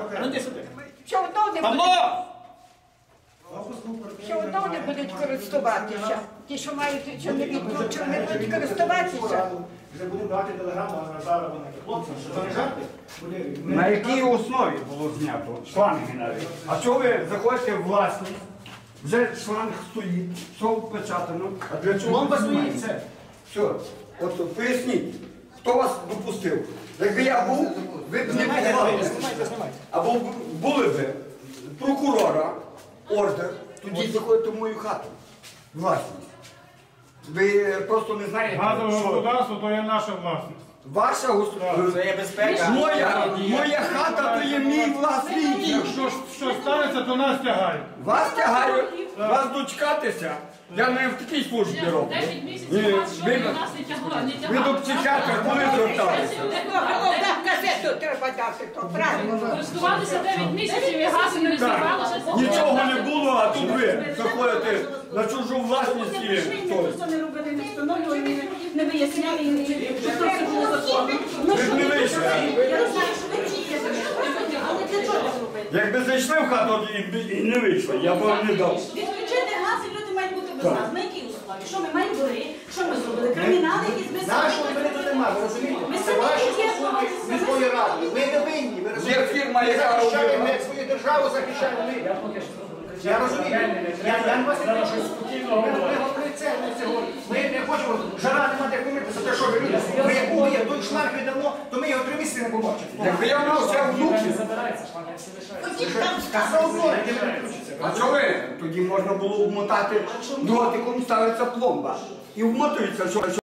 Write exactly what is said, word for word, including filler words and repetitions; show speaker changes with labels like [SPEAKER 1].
[SPEAKER 1] Що одного не будуть, що одного не будуть користуватися. Ті, що мають, що не відключили, не будуть користуватися.
[SPEAKER 2] Вже будемо давати телеграму на зараз вони хлопцям, що це не жарти.
[SPEAKER 3] На якій основі було знято шланги навіть? А чого ви заходите в власність, вже шланг стоїть, все впечатано, а для чого?
[SPEAKER 2] Пломба стоїть, все.
[SPEAKER 3] Все, от поясніть, хто вас допустив? Якби я був, ви б не були. Або були б прокурора, ордер, тоді заходите в мою хату, власність. Ви просто не знаєте,
[SPEAKER 4] Газове
[SPEAKER 3] що
[SPEAKER 4] господарство то є наша власність.
[SPEAKER 3] ваша господарство.
[SPEAKER 5] Це є безпека.
[SPEAKER 3] Моя, моя хата то є мій власний.
[SPEAKER 4] Якщо що станеться, то нас тягають.
[SPEAKER 3] Вас тягають, вас дочекатися. Я не в такій службі роблю.
[SPEAKER 6] дев'ять місяців вас, що ви нас не тягли, не
[SPEAKER 3] Ви
[SPEAKER 6] тягали.
[SPEAKER 3] до психіатра коли зверталися?
[SPEAKER 1] Газету треба дати, то правильно.
[SPEAKER 6] Користувалися дев'ять місяців і газу не вставалося.
[SPEAKER 3] Нічого не було, а тут ви заходите на чужу власність і
[SPEAKER 7] Ніхто не робили, не встановлювали, не виясняли, що це все було законно.
[SPEAKER 3] ви ж не вийшли.
[SPEAKER 7] Я не знаю, що ви вчите, але для чого це робити?
[SPEAKER 3] Якби зайшли в хату і, і не вийшли, я б вам не дав.
[SPEAKER 7] Відключити газ і люди мають бути без нас. На якій услові? Що ми маємо були? Що ми зробили? Кримінали якісь без
[SPEAKER 2] Нашого мене тут немає, ви розумієте?
[SPEAKER 7] Ми
[SPEAKER 2] Це
[SPEAKER 7] самі
[SPEAKER 2] ваші
[SPEAKER 7] є
[SPEAKER 2] стосунки
[SPEAKER 7] власність.
[SPEAKER 2] міської ради. Ми не винні, ви
[SPEAKER 3] Є
[SPEAKER 2] розумієте?
[SPEAKER 3] фірма,
[SPEAKER 2] Ми
[SPEAKER 3] яка
[SPEAKER 2] захищаємо
[SPEAKER 3] робила.
[SPEAKER 2] ми свою державу, захищаємо ми. Я розумію. Я, я не вас не прошу. Ми, ми говорили це, ми це говоримо. Ми не хочемо, жара нема де помитися, те, що ви люди. Ми як були, як той шланг віддамо, то ми його три місяці не побачимо.
[SPEAKER 3] Якби я мав ще внуків,
[SPEAKER 2] Та все одно, які не виключиться.
[SPEAKER 3] а чого ви? Тоді можна було вмотати дротиком, ставиться пломба. І вмотується, що